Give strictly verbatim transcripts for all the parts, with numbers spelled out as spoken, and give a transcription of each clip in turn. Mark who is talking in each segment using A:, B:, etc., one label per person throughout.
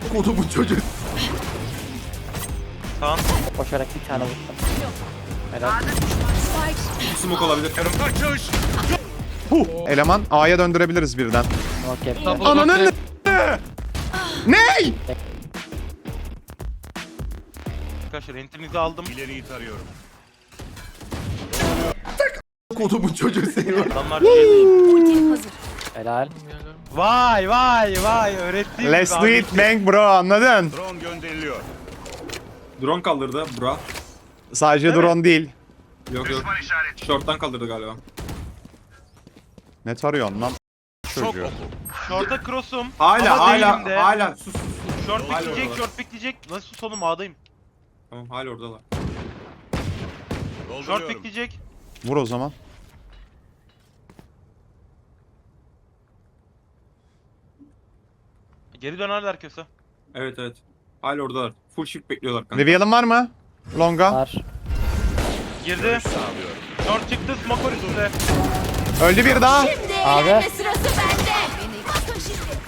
A: Kodu bu çocuk.
B: Tamam.
C: Koşarak bir tane vurdum. Helal.
A: Smoke olabilir.
D: Huh. Eleman A'ya döndürebiliriz birden.
C: Okey.
D: Ananın Ney?
B: Arkadaşlar entinizi aldım.
E: İleriyi tarıyorum.
A: Kodu bu çocuk seni.
B: Adamlar şey değil.
C: Helal.
B: Vay vay vay öğrettiğim
D: Let's
B: gibi
D: do
B: abi.
D: it bang bro, anladın?
E: Drone gönderiliyor.
A: Drone kaldırdı bra.
D: Sadece
B: Değil mi?
D: drone değil.
A: Yok yok. Short'tan kaldırdı galiba.
D: Ne tarıyorsun lan?
B: Çok
D: Çocuğu.
B: oku. Şorta cross'um.
A: Hala
B: ama
A: hala
B: değilim de.
A: hala sus sus. sus.
B: Short
A: Hala
B: pikleyecek,
A: oradalar.
B: short pikleyecek. Nasıl sus oğlum A'dayım.
A: Tamam hala oradalar.
B: Short
E: Dolduruyorum.
B: pikleyecek.
D: Vur o zaman.
B: Geri dönerler köse.
A: Evet evet. Hala oradalar. Full shift bekliyorlar kanka.
D: Reveal'ın var mı? Longa.
C: Var.
B: Girdi.
E: Sağlıyorum.
B: Short çıktı, smoke var üstünde.
D: Öldü bir daha.
C: Abi.
F: Sırası bende. Bakın şimdi.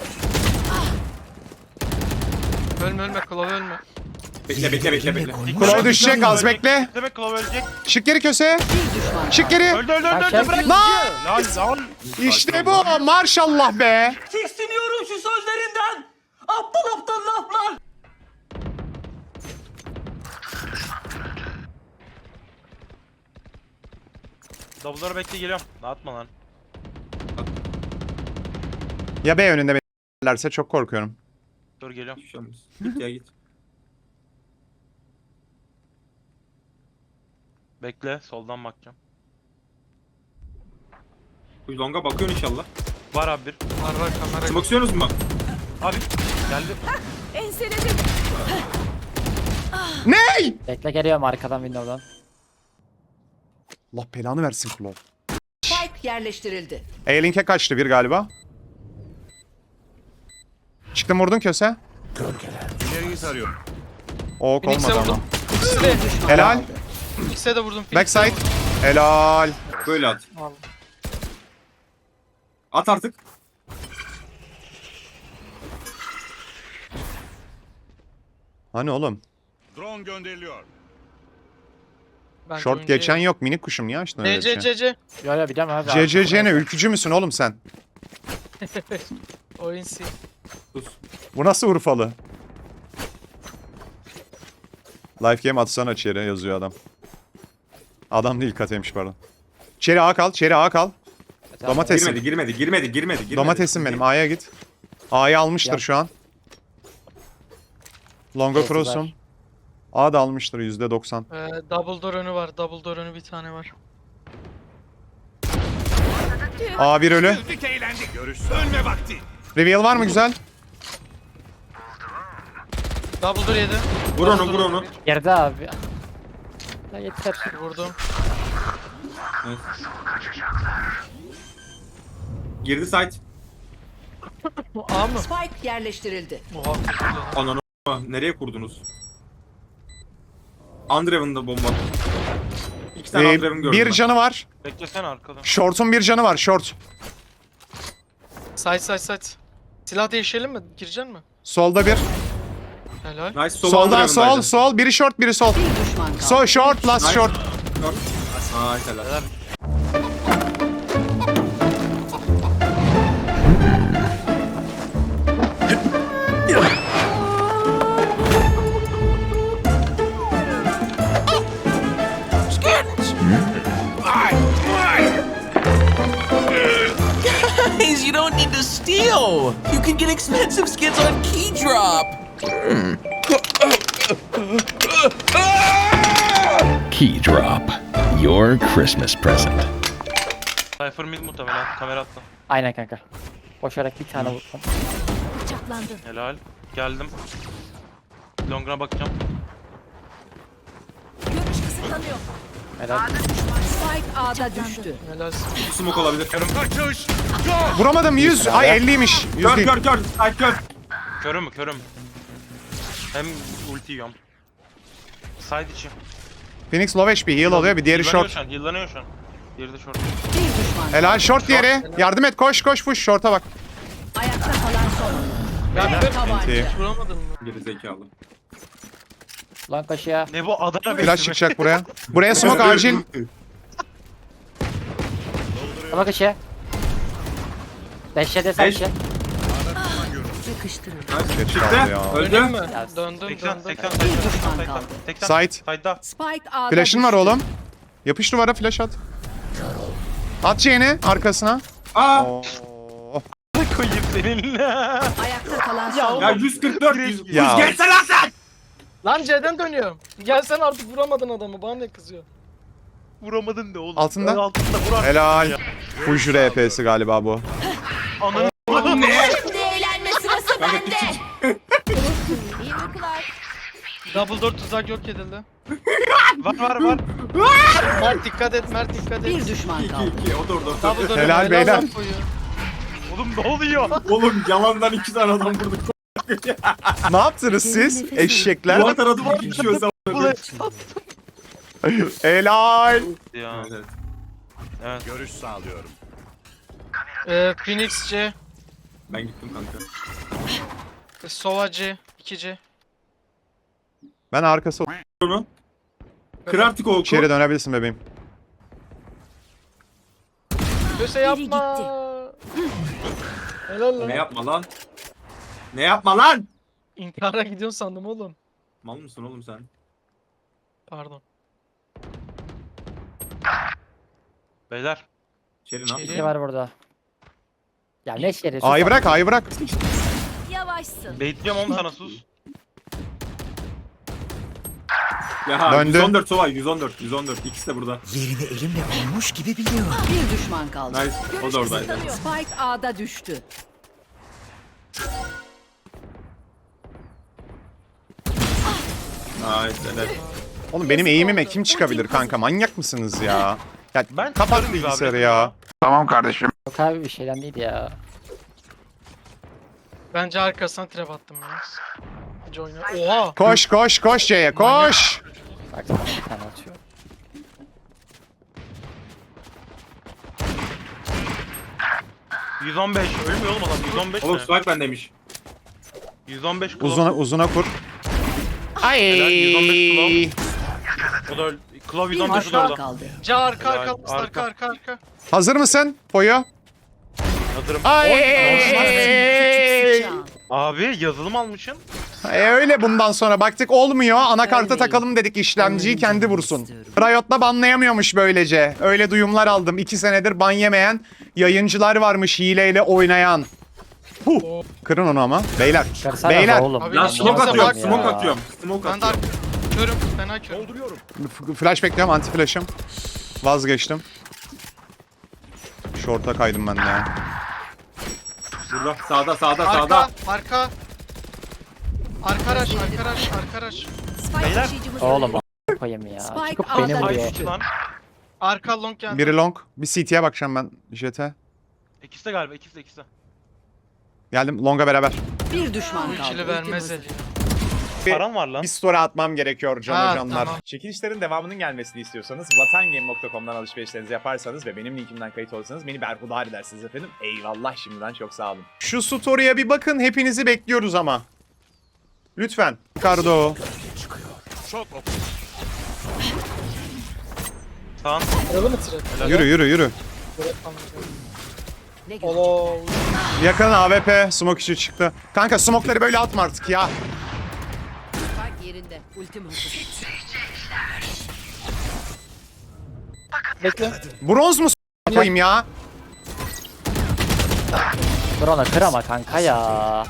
G: Ölme ölme Klov ölme.
A: Bekle bekle bekle bekle.
D: Kulağı düşecek, az bekle.
B: Demek Klov ölecek.
D: Çık geri köse. Çık geri.
B: Öldü öldü öldü
C: Aşağı
B: öldü bırak.
D: Lan!
B: Lan lan.
D: İşte bu, maşallah be.
H: Tiksiniyorum şu sözlerinden. Aptal aptal laflar.
B: Double'ları bekle geliyorum. Dağıtma lan.
D: Ya B önünde beklerlerse çok korkuyorum.
B: Dur geliyorum.
A: Hiçbir şey olmaz. Git ya git.
B: Bekle soldan bakacağım.
A: Bu longa bakıyorsun inşallah.
B: Var abi bir.
G: Var var kamera.
A: Smoke istiyorsunuz mu?
B: Abi geldi.
F: Enseledim.
D: Ney?
C: Bekle geliyorum arkadan window'dan.
D: Allah belanı versin Klov.
F: Spike yerleştirildi.
D: A-Link'e kaçtı bir galiba. Çıktım vurdun köse.
E: İleriyi tarıyorum.
D: Ok
G: Phoenix'e
D: olmadı ama.
G: vurdum. İkisi de.
D: Helal.
G: İkisi de vurdum. Phoenix'e
D: Backside.
G: vurdum.
D: Helal.
A: Böyle at.
G: Al.
A: At artık.
D: Hani oğlum?
E: Drone gönderiliyor.
G: Bence
D: Short
G: oyuncuya-
D: geçen yok. Minik kuşum niye açtın öyle
G: C
D: bir
G: C
D: şey?
G: C C.
C: Yo yo biliyorum abi.
D: C C C ne? Ülkücü müsün oğlum sen?
G: Oyun C.
A: Sus.
D: Bu nasıl Urfalı? Life game atsana içeri yazıyor adam. Adam değil kateymiş pardon. Çeri A kal, çeri A kal. Domatesim.
A: Girmedi girmedi girmedi girmedi. girmedi.
D: Domatesim benim. A'ya git. A'yı almıştır
C: Yap.
D: şu an. Longa
C: Evet,
D: cross'um.
C: var.
D: A da almıştır yüzde doksan.
G: Ee, double door önü var. Double door önü bir tane var.
D: A bir ölü.
E: Güldük eğlendik. Görüş ölme vakti.
D: Reveal var mı güzel?
G: Double door yedi.
A: Vur onu vur onu.
C: Geride abi. Ya yeter.
G: Vurdum.
A: Evet. Girdi site.
G: A mı?
F: Spike yerleştirildi.
G: Oha.
A: Ananı nereye kurdunuz? Andreven'da bomba. İki tane
D: Ee,
A: Andreven gördüm
D: bir
A: ben.
D: canı var.
B: Beklesene arkadan.
D: Short'un bir canı var. Short.
G: Side side side. Silah değişelim mi? Gireceksin mi?
D: Solda bir.
G: Helal.
A: Nice sol
D: Soldan sol
A: Andreven'daydı.
D: sol. Biri short biri sol.
F: Bir düşman kaldı.
D: So short last
A: Nice.
D: short.
A: Short. Nice helal.
H: Guys, you don't need to steal. You can get expensive skins on Keydrop.
I: Keydrop, your Christmas present.
B: Cypher mid muhtemelen. Kamera attı.
C: Aynen kanka. Koşarak bir tane vurdum.
F: Bıçaklandın.
B: Helal. Geldim. Long'a bakacağım.
F: Görüş kısıtlanıyor.
C: Helal.
F: Spike A'da düştü.
G: Helal.
A: Smoke olabilir.
E: Kaçış.
D: Vuramadım yüz. Ay elliymiş. yüz
A: Kör
D: değil.
A: kör kör. Site kör.
B: Körüm körüm. Hem ulti yiyorum. Side içi.
D: Phoenix low H P heal alıyor. Bir diğeri
B: Heal'lanıyor
D: short.
B: şu an. Heal'lanıyor şu an. Diğeri de short.
F: Bir düşman.
D: Helal short diğeri. Yardım et koş koş push short'a bak.
F: Ayakta kalan son.
G: Ben
F: Tabanca.
D: İyi.
G: vuramadın mı?
A: Geri zekalı.
C: Lan kaşıya.
B: Ne bu Adana
D: Flash
B: bekleme.
D: çıkacak buraya. Buraya smoke acil.
C: Ama kaşıya. Beşe de sen
A: Beş.
C: şey.
F: Yakıştırın.
D: Geç
A: Çıktı.
D: kaldı ya.
A: Öldü.
G: Döndüm mü?
C: Ya,
G: Döndüm
B: seksen
G: döndüm.
B: seksen
F: Bir
B: seksen
F: düşman
B: seksen
F: kaldı.
B: seksen
D: Site.
B: Side'da.
F: Spike A'da
D: Flash'ın var
F: düştü.
D: oğlum. Yapış duvara flash at. At C'ni arkasına.
A: Aa.
D: Oo.
B: Koyayım seninle.
F: Ayakta kalan son.
A: Ya yüz kırk dört yüz.
D: Ya.
A: Yüz gelsene lan sen.
G: Lan C'den dönüyorum. Gelsen artık vuramadın adamı. Bana ne kızıyor?
B: Vuramadın da oğlum.
D: Altında.
B: Altında vur.
D: Helal. Full R P'si galiba bu.
B: Ananı
A: Ne?
F: Şimdi eğlenme sırası
A: Kanka
F: bende.
A: küçük.
F: İyi uykular.
G: Double door tuzak yok edildi.
B: var var var.
G: Mert dikkat et, Mert dikkat et.
F: Bir düşman
A: İki
F: kaldı.
A: iki. O da orada.
G: Double door
D: Helal beyler.
G: lan koyu.
B: Oğlum ne oluyor?
A: Oğlum yalandan iki tane adam vurduk.
D: Ne yaptınız siz? Eşekler.
A: Duvar taradı var bir şey olsa.
D: Helal.
B: Ya.
A: Evet.
B: Evet.
E: Görüş sağlıyorum.
G: Ee, Phoenix C,
A: Ben gittim kanka.
G: Sova C, iki C.
D: Ben arkası
A: Onu. Kır artık o oku.
D: içeri dönebilirsin bebeğim.
G: Köse
F: Biri
G: yapma. Helal lan.
A: Ne yapma lan? Ne yapma lan?
G: İntihara gidiyorsun sandım oğlum.
A: Mal mısın oğlum sen?
G: Pardon.
B: Beyler.
A: Şeri ne
G: Şeri.
A: yapıyorsun?
C: Ne var burada? Ya ne şeri?
D: A'yı bırak, A'yı bırak.
F: Yavaşsın.
B: Bekliyorum oğlum sana sus.
A: Ya
D: Döndü.
A: yüz on dört Sova yüz on dört yüz on dört ikisi de burada.
H: Yerini elimle bulmuş gibi biliyorum.
F: Bir düşman kaldı.
A: Nice. O da oradaydı.
F: Spike A'da düştü.
A: Nice. Evet.
D: Oğlum benim eğimime kim çıkabilir kanka? Manyak mısınız ya? Ya
B: Ben
D: kapat
B: çıkarım gibi
D: bilgisayarı
B: abi.
D: ya.
C: Yok abi bir şeyden değil ya.
G: Bence arkasına trap attım ya. Hiç oyna. Oha.
D: Koş koş koş C'ye koş.
C: Bak sana bir tane atıyor.
B: yüz on beş. Ölmüyor oğlum adam. yüz on beş
A: Oğlum
B: ne?
A: strike bendeymiş.
B: yüz on beş
D: Uzuna, uzuna kur. Ay.
B: Helal, yüz on beş O da öldü. Klav yüz
F: Bir
B: on beş o da
F: düşman
B: orada.
F: kaldı.
G: C arka
B: Helal,
G: arka arka
B: arka.
G: arka arka. arka.
D: Hazır mısın? Poyo.
B: Hazırım.
D: Ay.
F: Sıçan.
B: Abi yazılım almışsın.
D: E öyle bundan sonra baktık olmuyor. Anakarta takalım dedik işlemciyi kendi vursun. Riot'la banlayamıyormuş böylece. Öyle duyumlar aldım. İki senedir ban yemeyen yayıncılar varmış hileyle oynayan. Huh. Kırın onu ama. Beyler.
C: Kırsana
D: Beyler.
C: oğlum.
G: Abi,
A: Lan
G: Ya,
A: smoke
G: bak
A: atıyorum.
G: ya.
A: Smoke atıyorum. Smoke
G: Ben de
A: atıyorum.
G: arka. Körüm. Fena körüm.
D: F- Flash bekliyorum, anti flash'ım. Vazgeçtim. Short'a kaydım ben de ya.
A: Burada. Sağda sağda
G: Arka.
A: sağda.
G: Arka. Arka araç. Arka araç. Arka araç.
F: Spike
B: Beyler.
F: taşıyıcımız
C: Oğlum
F: öldü.
C: a- koyayım ya.
F: Spike
C: Çıkıp
F: A'da
C: benim
F: düştü.
B: Ay
C: buraya.
B: düştü lan.
G: Arka long geldi.
D: Biri long. Bir C T'ye bakacağım ben jete.
B: İkisi de galiba. ikisi de ikisi de.
D: Geldim long'a beraber.
F: Bir düşman
G: Bu
F: kaldı.
G: ikili vermez
F: Ultim
G: el ya.
D: Bir-
B: Paran var lan.
D: Bir story atmam gerekiyor Can
G: Ha,
D: Hocamlar.
G: tamam.
D: Çekilişlerin devamının gelmesini istiyorsanız vatangame nokta com'dan alışverişlerinizi yaparsanız ve benim linkimden kayıt olursanız beni berhudar edersiniz efendim. Eyvallah şimdiden çok sağ olun. Şu story'e bir bakın, hepinizi bekliyoruz ama. Lütfen. Ricardo.
E: Çok ok.
B: Sağın.
G: Kırıldı mı trap?
D: Yürü yürü yürü.
F: Ne görecek?
G: Allah.
D: Yakın A W P smoke işi çıktı. Kanka smoke'ları böyle atma artık ya.
F: Spike yerinde. Ultim hazır.
G: Bekle.
D: Bronz mu s- koyayım ya?
C: Dur ona kır ama kanka ya.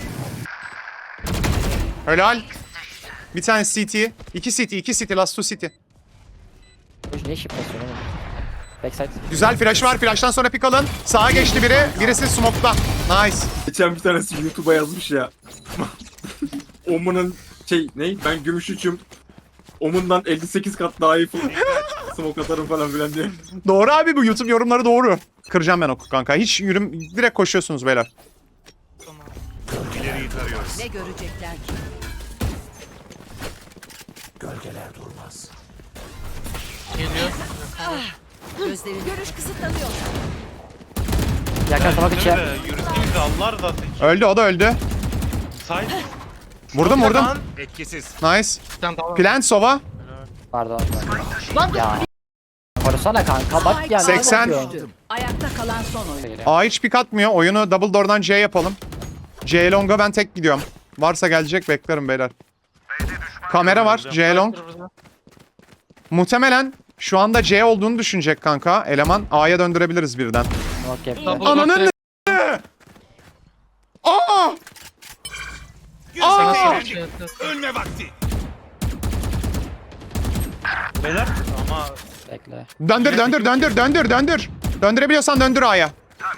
D: Helal. Bir tane C T. İki C T, iki C T, last two C T.
C: Bu ne şıp basıyor oğlum? Backside.
D: Güzel flash var. Flash'tan sonra pick alın. Sağa geçti biri. Birisi smoke'ta. Nice.
A: Geçen bir tanesi YouTube'a yazmış ya. Omun'un şey ne? Ben gümüş üçüm. Omun'dan elli sekiz kat daha iyi full smoke atarım falan filan diye.
D: Doğru abi, bu YouTube yorumları doğru. Kıracağım ben oku kanka. Hiç yürüm, direkt koşuyorsunuz beyler.
E: İleriyi tarıyoruz.
F: Ne görecekler ki?
G: Geliyor.
F: Gözlerin görüş kısıtlanıyor.
C: Yakın smoke içi.
B: Yürüsün de yürüsün de Allah rızası için.
D: Öldü, o da öldü.
B: Side.
D: Vurdum vurdum.
B: Lan.
E: Etkisiz.
D: Nice.
G: Sen tamam.
D: Plant sova.
C: Pardon.
G: Lan
C: Ya. Korusana kanka bak ya. ne
D: seksen.
C: yapıyorsun?
F: Ayakta kalan son oyun.
D: A hiç pik atmıyor. Oyunu double door'dan C yapalım. C long'a ben tek gidiyorum. Varsa gelecek beklerim beyler. Kamera var. C long. Muhtemelen şu anda C olduğunu düşünecek kanka. Eleman A'ya döndürebiliriz birden.
C: Okey.
G: Double
D: Ananın
G: door
D: ne? Aa!
G: Sana
D: Aa!
G: sana şey yaptı.
E: Ölme vakti.
B: Beyler ama
C: Bekle.
D: Döndür döndür döndür döndür döndür. Döndürebiliyorsan döndür A'ya.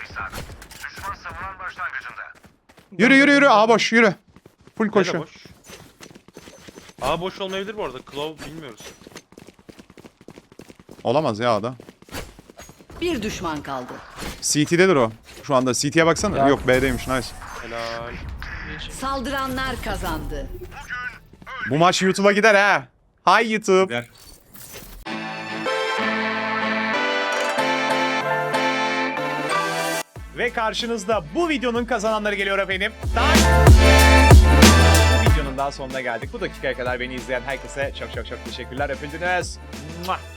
D: Yürü yürü yürü A boş yürü. Full
B: Nerede
D: koşu.
B: boş? Aa boş olmayabilir bu arada. Claw bilmiyoruz.
D: Olamaz ya A'da.
F: Bir düşman kaldı.
D: C T'dedir o. Şu anda C T'ye baksana.
C: Ya.
D: Yok B'deymiş nice.
B: Helal.
F: Saldıranlar kazandı.
D: Bu maç YouTube'a gider ha. Hi YouTube.
A: Der.
D: Ve karşınızda bu videonun kazananları geliyor efendim. Daha... Bu videonun daha sonuna geldik. Bu dakikaya kadar beni izleyen herkese çok çok çok teşekkürler. Öpüldünüz. Mua.